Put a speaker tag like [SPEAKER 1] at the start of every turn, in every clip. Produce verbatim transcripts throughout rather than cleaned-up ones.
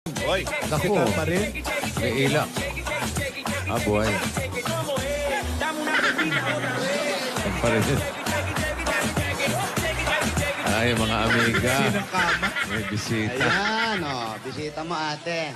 [SPEAKER 1] Hoy,
[SPEAKER 2] Naku,
[SPEAKER 3] Kita pa rin.
[SPEAKER 2] may ilak. Ah, buhay. Yan pa rin. Ay, mga amiga.
[SPEAKER 3] Sinang kama.
[SPEAKER 2] May bisita.
[SPEAKER 4] Ayan, oh, bisita mo ate.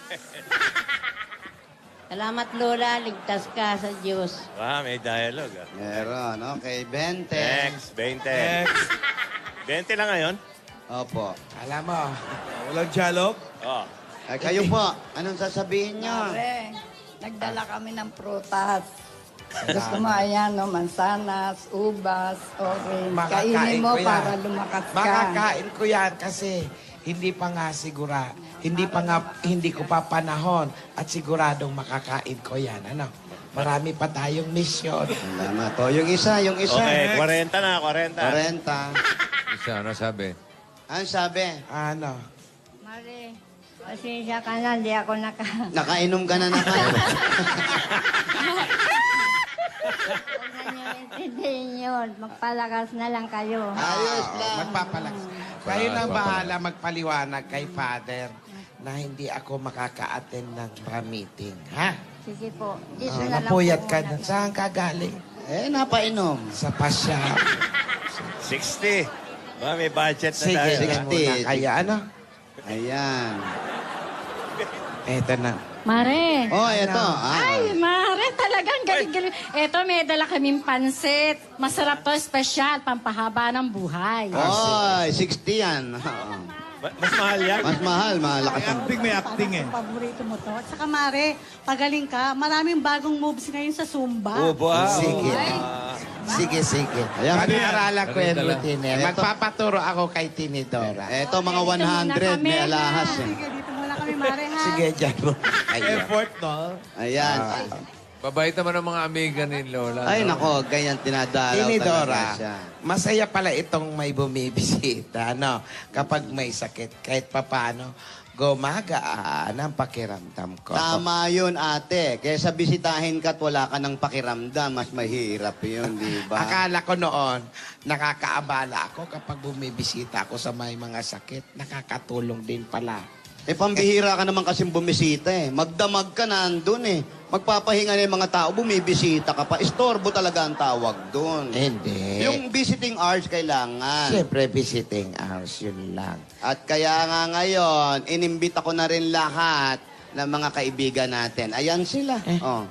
[SPEAKER 5] Salamat, Lola. Ligtas ka sa Diyos.
[SPEAKER 1] ah, may dialogue ah.
[SPEAKER 4] Meron, okay, Bente.
[SPEAKER 1] Next, twenty.
[SPEAKER 3] Next.
[SPEAKER 1] twenty lang ngayon?
[SPEAKER 4] Opo.
[SPEAKER 3] Alam mo, walang dialog.
[SPEAKER 1] Oh.
[SPEAKER 4] Ay, kayo po, anong sasabihin nyo?
[SPEAKER 6] Pare, nagdala kami ng prutas. Gusto mo, ayan, no, mansanas, ubas, orange.
[SPEAKER 7] Makakain
[SPEAKER 6] Kainin mo
[SPEAKER 7] ko yan.
[SPEAKER 6] para lumakas ka.
[SPEAKER 7] Makakain ko yan kasi hindi pa nga sigura, hindi pa nga, hindi ko pa panahon at siguradong makakain ko yan. Ano? Marami pa tayong mission.
[SPEAKER 4] Salamat. O, yung isa, yung isa.
[SPEAKER 1] Okay, forty na, forty.
[SPEAKER 4] Quarenta.
[SPEAKER 2] Isa, ano sabi?
[SPEAKER 4] Ano sabi?
[SPEAKER 7] Ano?
[SPEAKER 5] Mare, pasensya ka na. Hindi ako naka...
[SPEAKER 4] Nakainom ka na na ka.
[SPEAKER 5] Huwag na niyo intindihin yun. Magpalakas na lang kayo.
[SPEAKER 4] Ayos
[SPEAKER 7] Oo,
[SPEAKER 4] lang.
[SPEAKER 7] Magpapalakas. Kayo nang bahala magpaliwanag kay Father na hindi ako makaka-attend ng meeting. Ha?
[SPEAKER 5] Sige po. Dito
[SPEAKER 7] Ah,
[SPEAKER 5] na lang
[SPEAKER 7] napuyat
[SPEAKER 5] po
[SPEAKER 7] ka
[SPEAKER 5] muna.
[SPEAKER 7] na. Saan ka galing?
[SPEAKER 4] Eh, napainom.
[SPEAKER 7] Sa pasya.
[SPEAKER 1] sixty. Ba, may budget na
[SPEAKER 7] Sige,
[SPEAKER 1] tayo.
[SPEAKER 7] sige
[SPEAKER 1] ah.
[SPEAKER 4] sixty.
[SPEAKER 7] muna. Kaya ano?
[SPEAKER 4] Ayan.
[SPEAKER 7] Eto na.
[SPEAKER 8] Mare.
[SPEAKER 4] Oh, eto. Ah.
[SPEAKER 8] Ay, Mare, talagang galing-galing. Eto, may dala kaming pansit. Masarap to, special, pampahaba ng buhay.
[SPEAKER 4] Oy, sixty yan. Oo.
[SPEAKER 1] Ma- Mas mahal yan?
[SPEAKER 4] Mas mahal, malakas
[SPEAKER 3] May
[SPEAKER 4] ang...
[SPEAKER 3] acting, may acting eh.
[SPEAKER 9] Paborito mo to. At saka Mare, pagaling ka. Maraming bagong moves ngayon sa Zumba.
[SPEAKER 1] Oh, wow.
[SPEAKER 7] Sige.
[SPEAKER 1] Ah.
[SPEAKER 7] Sige, sige.
[SPEAKER 4] Ayan.
[SPEAKER 7] Pag-aaralan ko yung
[SPEAKER 2] Ganun tala.
[SPEAKER 7] routine. eh.
[SPEAKER 4] Eto.
[SPEAKER 7] Magpapaturo ako kay Tinidora.
[SPEAKER 4] Eto, mga
[SPEAKER 8] Dito
[SPEAKER 4] one
[SPEAKER 8] muna
[SPEAKER 4] hundred.
[SPEAKER 8] kami,
[SPEAKER 4] May alahas
[SPEAKER 8] ha?
[SPEAKER 4] eh.
[SPEAKER 9] Sige, dito muna kami, Mare, ha?
[SPEAKER 7] Sige, dyan mo. Ayun.
[SPEAKER 3] Effort, no?
[SPEAKER 4] Ayan.
[SPEAKER 2] Babait naman ang mga amiga ni Lola.
[SPEAKER 4] Ay,
[SPEAKER 2] no?
[SPEAKER 4] nako, ganyan tinadalaw
[SPEAKER 7] Tinidora,
[SPEAKER 4] talaga siya.
[SPEAKER 7] masaya pala itong may bumibisita, no? Kapag may sakit, kahit papano, gumagaan ang pakiramdam ko.
[SPEAKER 4] Tama yun, ate. Kaysa bisitahin ka at wala ka ng pakiramdam, mas mahirap yun, di ba?
[SPEAKER 7] Akala ko noon, nakakaabala ako kapag bumibisita ako sa may mga sakit. Nakakatulong din pala.
[SPEAKER 4] Eh, pambihira ka naman kasing bumisita eh. Magdamag ka nandun eh. Magpapahinga na yung mga tao, bumibisita ka pa. Istorbo talaga ang tawag dun.
[SPEAKER 7] Hindi.
[SPEAKER 4] Yung visiting hours kailangan.
[SPEAKER 7] Siyempre, visiting hours, yun lang.
[SPEAKER 4] At kaya nga ngayon, inimbita ko na rin lahat ng mga kaibigan natin. Ayan sila. Oh.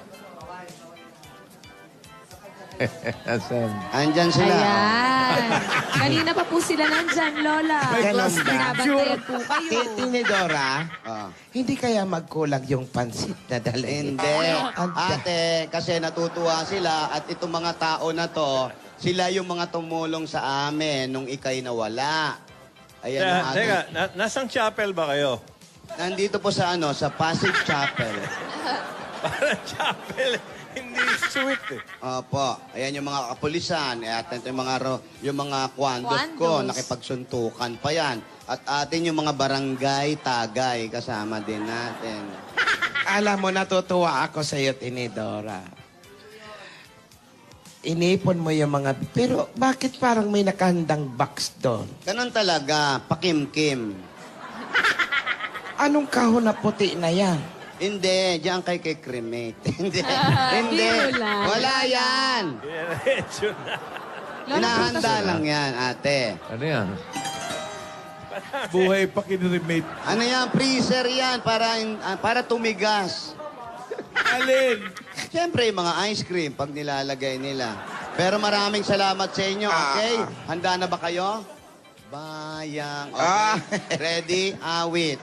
[SPEAKER 2] Asan?
[SPEAKER 4] Andyan sila.
[SPEAKER 8] Ayan. Kanina pa po sila nandyan, Lola.
[SPEAKER 3] May
[SPEAKER 7] Ganun
[SPEAKER 3] class
[SPEAKER 7] ba?
[SPEAKER 3] picture.
[SPEAKER 8] po kayo.
[SPEAKER 7] Ti- Tinidora,
[SPEAKER 4] Oh.
[SPEAKER 7] hindi kaya magkulang yung pansit na dalhin?
[SPEAKER 4] Hindi.
[SPEAKER 7] Anda.
[SPEAKER 4] Ate, kasi natutuwa sila at itong mga tao na to, sila yung mga tumulong sa amin nung ikay nawala. Ayan
[SPEAKER 1] Teka,
[SPEAKER 4] ang ating...
[SPEAKER 1] teka, na- nasang chapel ba kayo?
[SPEAKER 4] Nandito po sa ano, sa Pasig Chapel.
[SPEAKER 1] Parang chapel. Hindi sweet eh.
[SPEAKER 4] Opo. Ayan yung mga kapulisan. Eh, At ito yung mga, ro- yung mga kwandos ko,
[SPEAKER 8] Kwandos.
[SPEAKER 4] nakipagsuntukan pa yan. At atin yung mga barangay, tagay, kasama din natin.
[SPEAKER 7] Alam mo, natutuwa ako sa iyo, Tinidora. Inipon mo yung mga... Pero bakit parang may nakahandang box doon?
[SPEAKER 4] Ganon talaga, pakimkim.
[SPEAKER 7] Anong kahon na puti na yan?
[SPEAKER 4] Hindi, diyan kay kay cremate. Hindi. Hindi.
[SPEAKER 8] Wala.
[SPEAKER 4] Wala yan.
[SPEAKER 1] Diretso na.
[SPEAKER 4] Hinahanda lang yan, ate.
[SPEAKER 2] Ano yan?
[SPEAKER 3] Buhay pa kinremate.
[SPEAKER 4] Ano yan? Freezer yan para, in- ah, para tumigas.
[SPEAKER 3] Alin?
[SPEAKER 4] Siyempre, yung mga ice cream pag nilalagay nila. Pero maraming salamat sa inyo, okay? Handa na ba kayo? Bayang. Okay.
[SPEAKER 7] Ah.
[SPEAKER 4] Ready? Awit.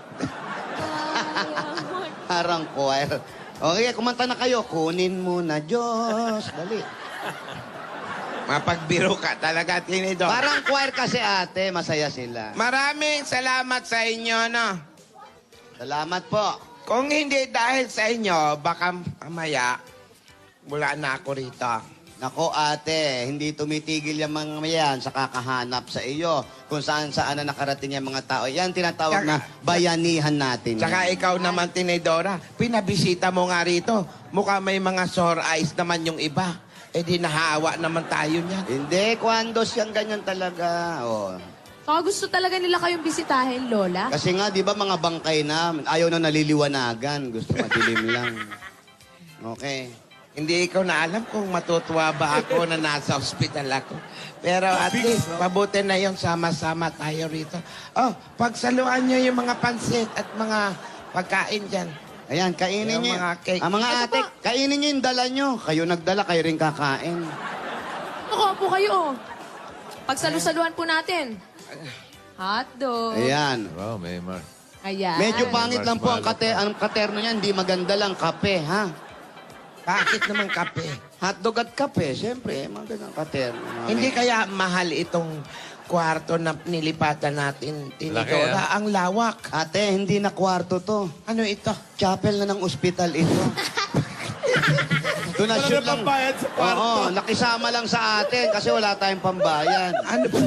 [SPEAKER 4] Parang choir. Okay, kumanta na kayo. Kunin mo na, Diyos. Dali.
[SPEAKER 7] Mapagbiro ka talaga, Tinidora.
[SPEAKER 4] Parang choir kasi ate. Masaya sila.
[SPEAKER 7] Maraming salamat sa inyo, no?
[SPEAKER 4] Salamat po.
[SPEAKER 7] Kung hindi dahil sa inyo, baka mamaya, wala na ako rito.
[SPEAKER 4] Nako ate, hindi tumitigil yung mga yan sa kakahanap sa iyo. Kung saan saan na nakarating yung mga tao. Yan tinatawag na bayanihan natin.
[SPEAKER 7] Tsaka
[SPEAKER 4] yan.
[SPEAKER 7] ikaw naman, Tinidora, pinabisita mo nga rito. Mukha may mga sore eyes naman yung iba. Eh di nahawa naman tayo niyan.
[SPEAKER 4] Hindi, kwandos yan ganyan talaga. Oh.
[SPEAKER 10] Baka gusto talaga nila kayong bisitahin, Lola.
[SPEAKER 4] Kasi nga, di ba mga bangkay na, ayaw na naliliwanagan. Gusto madilim lang. Okay.
[SPEAKER 7] Hindi ikaw na alam kung matutuwa ba ako na nasa ospital ako. Pero at least, mabuti na yung sama-sama tayo rito. Oh, pagsaluan nyo yung mga pansit at mga pagkain dyan.
[SPEAKER 4] Ayan, kainin
[SPEAKER 7] Yung
[SPEAKER 4] niyo.
[SPEAKER 7] mga cake.
[SPEAKER 4] Ang mga
[SPEAKER 10] Ito
[SPEAKER 4] ate,
[SPEAKER 10] po.
[SPEAKER 4] kainin niyo yung dala niyo. Kayo nagdala, kayo rin kakain.
[SPEAKER 10] Ako po kayo. Pagsalusaluan po natin. Hotdog.
[SPEAKER 4] Ayan.
[SPEAKER 2] Wow, may mar...
[SPEAKER 10] Ayan.
[SPEAKER 4] Medyo pangit lang po ang,
[SPEAKER 2] Marshmallow
[SPEAKER 4] kate, ang katerno niyan. Hindi maganda lang kape, ha?
[SPEAKER 7] Bakit naman kape?
[SPEAKER 4] Hotdog at kape, siyempre. Magandang katerno. Mga
[SPEAKER 7] Hindi
[SPEAKER 4] may-
[SPEAKER 7] kaya mahal itong kwarto na nilipatan natin,
[SPEAKER 2] Laki,
[SPEAKER 7] Tinidora. Ang lawak.
[SPEAKER 4] Ate, hindi na kwarto to.
[SPEAKER 7] Ano ito?
[SPEAKER 4] Chapel na ng ospital ito. Donasyon
[SPEAKER 3] Wala na pambayad sa kwarto.
[SPEAKER 4] Oo, nakisama lang sa atin kasi wala tayong pambayad.
[SPEAKER 7] Ano ba?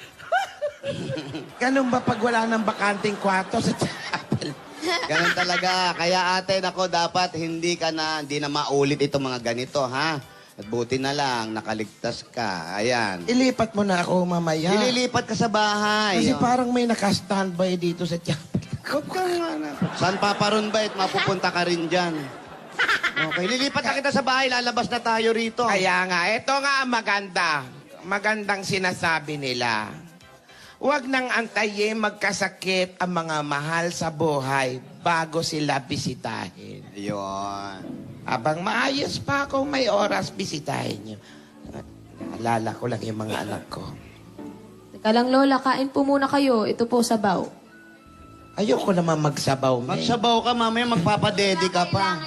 [SPEAKER 7] Ganun ba pag wala ng bakanting kwarto sa chapel?
[SPEAKER 4] Ganun talaga. Kaya ate, nako, dapat hindi ka na, hindi na maulit itong mga ganito, ha? At buti na lang, nakaligtas ka. Ayan.
[SPEAKER 7] Ilipat mo na ako mamaya.
[SPEAKER 4] Ililipat ka sa bahay.
[SPEAKER 7] Kasi
[SPEAKER 4] Oh.
[SPEAKER 7] parang may naka-standby dito sa chapel.
[SPEAKER 4] Huwag ka nga na. Saan paparoon ba? At mapupunta ka rin dyan. Okay, lilipat na kita sa bahay. Lalabas na tayo rito.
[SPEAKER 7] Kaya nga, ito nga ang maganda. Magandang sinasabi nila. Huwag nang antayin magkasakit ang mga mahal sa buhay bago sila bisitahin.
[SPEAKER 4] Ayun.
[SPEAKER 7] Habang maayos pa kung may oras, bisitahin nyo. Naalala ko lang yung mga anak ko.
[SPEAKER 10] Teka lang, Lola. Kain po muna kayo. Ito po, sabaw.
[SPEAKER 7] Ayoko naman magsabaw, May.
[SPEAKER 4] Magsabaw ka, mamaya magpapadede ka pa.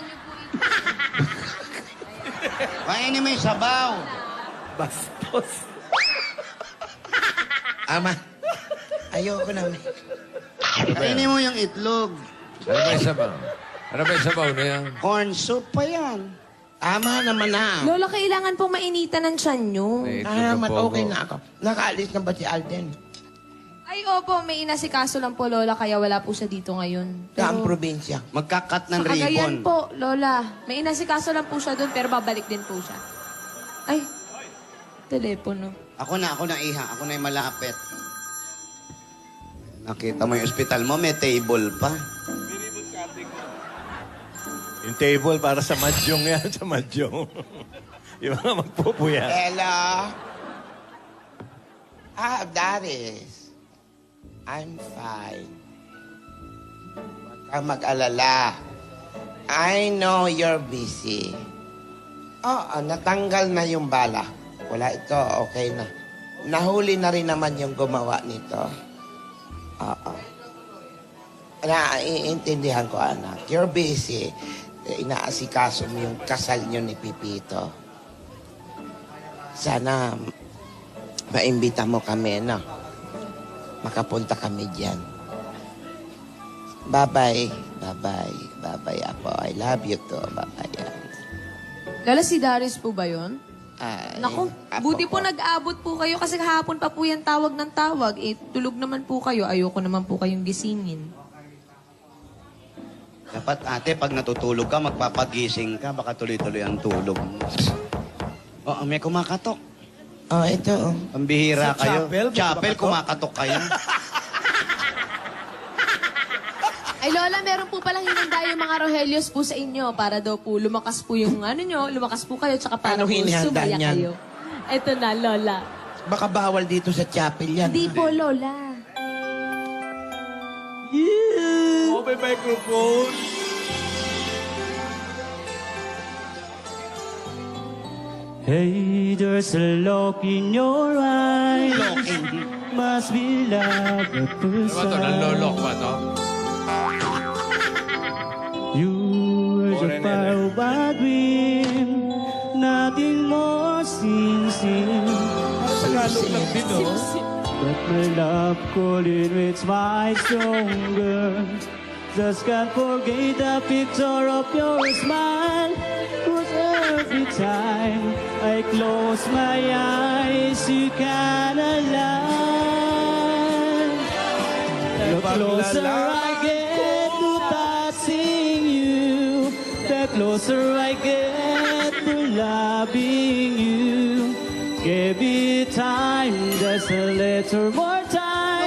[SPEAKER 4] Kainin mo yung sabaw.
[SPEAKER 3] Bastos.
[SPEAKER 7] Ama, ayoko na, May.
[SPEAKER 4] Kainin mo yung itlog.
[SPEAKER 2] Ano ba yung sabaw? Ano ba yung sabaw na yan?
[SPEAKER 4] Corn soup pa yan.
[SPEAKER 7] Ama naman na.
[SPEAKER 10] Lola, kailangan po mainitan ng tiyan nyo.
[SPEAKER 2] May itlog
[SPEAKER 7] Ah,
[SPEAKER 2] ng
[SPEAKER 7] mat
[SPEAKER 2] pogo.
[SPEAKER 7] okay na ako. Nakaalis na ba si Alden?
[SPEAKER 10] Ay, opo. May inasikaso lang po, Lola. Kaya wala po siya dito ngayon.
[SPEAKER 7] Saang probinsya?
[SPEAKER 4] Magkakat ng
[SPEAKER 10] Sa Cagayan
[SPEAKER 4] ribbon.
[SPEAKER 10] po, Lola. May inasikaso lang po siya doon, pero babalik din po siya. Ay, telepono.
[SPEAKER 4] Ako na, ako na iha. Ako na yung malapit. Nakita mo yung ospital mo, may table pa.
[SPEAKER 1] Yung table para sa madyong yan, sa madyong. Yung mga magpupuya.
[SPEAKER 7] Hello? Ah, Daris. I'm fine. Huwag kang mag-alala. I know you're busy. Oo, natanggal na yung bala. Wala ito, okay na. Nahuli na rin naman yung gumawa nito. Oo. Naiintindihan ko, anak. You're busy. Inaasikaso mo yung kasal nyo ni Pipito. Sana maimbita mo kami, no? Makapunta kami dyan. Bye-bye. Bye-bye. Bye-bye, Apo. I love you too. Bye-bye.
[SPEAKER 10] Lola, si Darius po ba yun?
[SPEAKER 7] Ay,
[SPEAKER 10] Naku,
[SPEAKER 7] Apo
[SPEAKER 10] buti po
[SPEAKER 7] ko.
[SPEAKER 10] nag-abot po kayo kasi kahapon pa po yan tawag ng tawag. Eh, tulog naman po kayo. Ayoko naman po kayong gisingin.
[SPEAKER 4] Dapat ate, pag natutulog ka, magpapagising ka. Baka tuloy-tuloy ang tulog mo. Oo, may kumakatok.
[SPEAKER 7] Oh, ito. oh.
[SPEAKER 4] Pambihira
[SPEAKER 3] Sa
[SPEAKER 4] kayo.
[SPEAKER 3] chapel, may
[SPEAKER 4] Chapel,
[SPEAKER 3] kumakatok?
[SPEAKER 4] kumakatok kayo.
[SPEAKER 10] Ay, Lola, meron po palang hinanda yung mga Rohelios po sa inyo para daw po lumakas po yung ano nyo, lumakas po kayo, tsaka para
[SPEAKER 7] Ano
[SPEAKER 10] po
[SPEAKER 7] hinihanda
[SPEAKER 10] sumaya
[SPEAKER 7] niyan?
[SPEAKER 10] kayo. Ito na, Lola.
[SPEAKER 7] Baka bawal dito sa chapel yan.
[SPEAKER 10] Hindi po, Lola.
[SPEAKER 3] Oh, may microphone.
[SPEAKER 11] Hey, there's a look in your eyes. Must be love at
[SPEAKER 2] Ano
[SPEAKER 11] first
[SPEAKER 2] ba ito? Nanlolok ba ito?
[SPEAKER 11] You were the fire of a dream. Nothing more sincere.
[SPEAKER 3] Tagalog lang din, oh.
[SPEAKER 11] But my love couldn't reach my stronger. Just can't forget the picture of your smile. Cause every time I close my eyes, you can align. The closer I get to touching you, the closer I get to loving you. Give it time, just a little more time.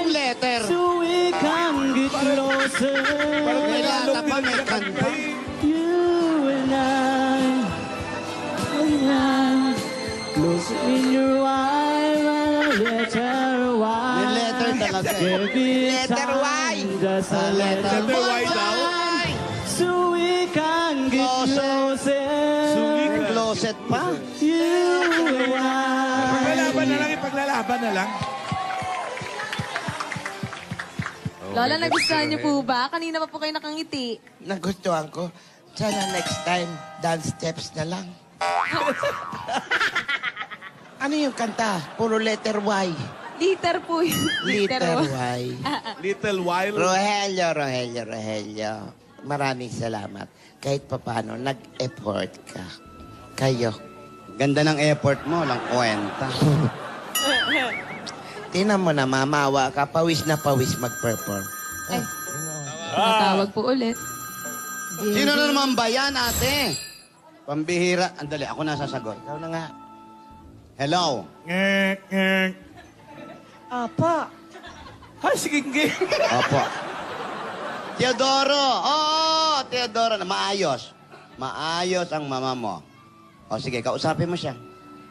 [SPEAKER 4] pa, may kanta.
[SPEAKER 11] You and I, and I, close in your eyes, letter Y.
[SPEAKER 4] May letter talaga eh.
[SPEAKER 7] Letter Y.
[SPEAKER 11] Just a
[SPEAKER 4] Ah, letter
[SPEAKER 11] letter
[SPEAKER 3] Y daw.
[SPEAKER 11] so we can get closer.
[SPEAKER 4] May closet pa.
[SPEAKER 11] You and I.
[SPEAKER 3] Ipaglalaban na lang, ipaglalaban na lang.
[SPEAKER 10] Lola, nagustuhan niyo po ba? Kanina pa po kayo nakangiti.
[SPEAKER 7] Nagustuhan ko. Sana next time, dance steps na lang. Ano yung kanta? Puro letter Y.
[SPEAKER 10] Liter po yun.
[SPEAKER 7] Letter
[SPEAKER 10] po.
[SPEAKER 7] Y.
[SPEAKER 3] Little while.
[SPEAKER 7] Rogelio, Rogelio, Rogelio. Maraming salamat. Kahit papano, nag-effort ka. Kayo.
[SPEAKER 4] Ganda ng effort mo, lang kwenta.
[SPEAKER 7] Tinan mo na, mamawa ka. Pawis na pawis mag-perform.
[SPEAKER 10] Ay, matawag po ulit.
[SPEAKER 4] Sino na naman ba yan, ate? Pambihira. Andali, ako na sasagot.
[SPEAKER 7] Ikaw na nga.
[SPEAKER 4] Hello?
[SPEAKER 3] Ngek, ngek. Apa? Ha, sige, ngek.
[SPEAKER 4] Opo. Teodoro! Oo, Teodoro. na Maayos. Maayos ang mama mo. O sige, kausapin mo siya.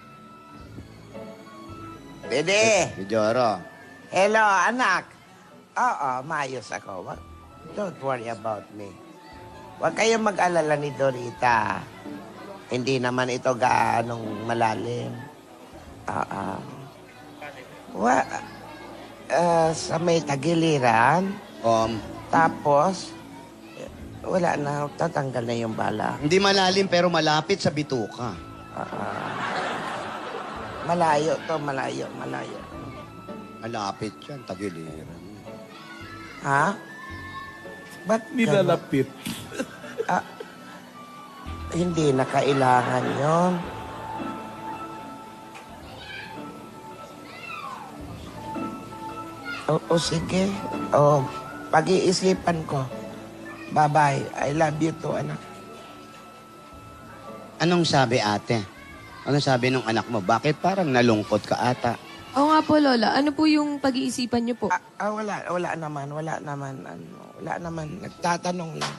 [SPEAKER 7] Dede.
[SPEAKER 4] Teodoro.
[SPEAKER 7] Hello, anak. Oo, maayos ako. Wa- Don't worry about me. Huwag kayong mag-alala ni Dorita. Hindi naman ito gaanong malalim. Oo. Wa ah, sa may tagiliran.
[SPEAKER 4] Um,
[SPEAKER 7] Tapos, eh, wala na. Tatanggal na yung bala.
[SPEAKER 4] hindi malalim pero malapit sa bituka.
[SPEAKER 7] Malayo to, malayo, malayo.
[SPEAKER 4] Malapit yan, tagiliran.
[SPEAKER 7] Ha? Ba't
[SPEAKER 3] Nilalapit.
[SPEAKER 7] Ah, hindi na kailangan yon. O, o sige. O, pag-iisipan ko. Bye-bye. I love you too, anak.
[SPEAKER 4] Anong sabi ate? Anong sabi ng anak mo? Bakit parang nalungkot ka ata?
[SPEAKER 10] Oo nga po, Lola. Ano po yung pag-iisipan niyo po?
[SPEAKER 7] Ah, ah, wala, wala naman, wala naman, ano, wala naman. Nagtatanong lang.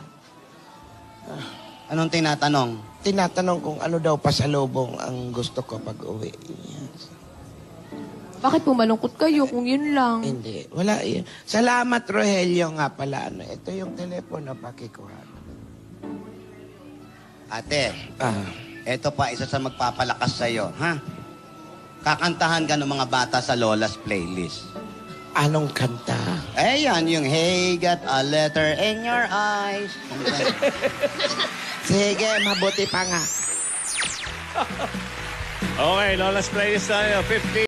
[SPEAKER 4] Anong tinatanong?
[SPEAKER 7] Tinatanong kung ano daw pasalubong ang gusto ko pag uwi. Yes.
[SPEAKER 10] Bakit po malungkot kayo kung yun lang?
[SPEAKER 7] Hindi, wala yun. Salamat, Rogelio, nga pala. Ano, ito yung telepono, pakikuha.
[SPEAKER 4] Ate,
[SPEAKER 7] Ah,
[SPEAKER 4] eto pa isa sa magpapalakas sa'yo, ha? Kakantahan ka ng mga bata sa Lola's playlist.
[SPEAKER 7] anong kanta?
[SPEAKER 4] Eh yan, yung Hey, got a letter in your eyes.
[SPEAKER 7] Sige, mabuti pa nga.
[SPEAKER 1] Okay, Lola's playlist tayo. fifty.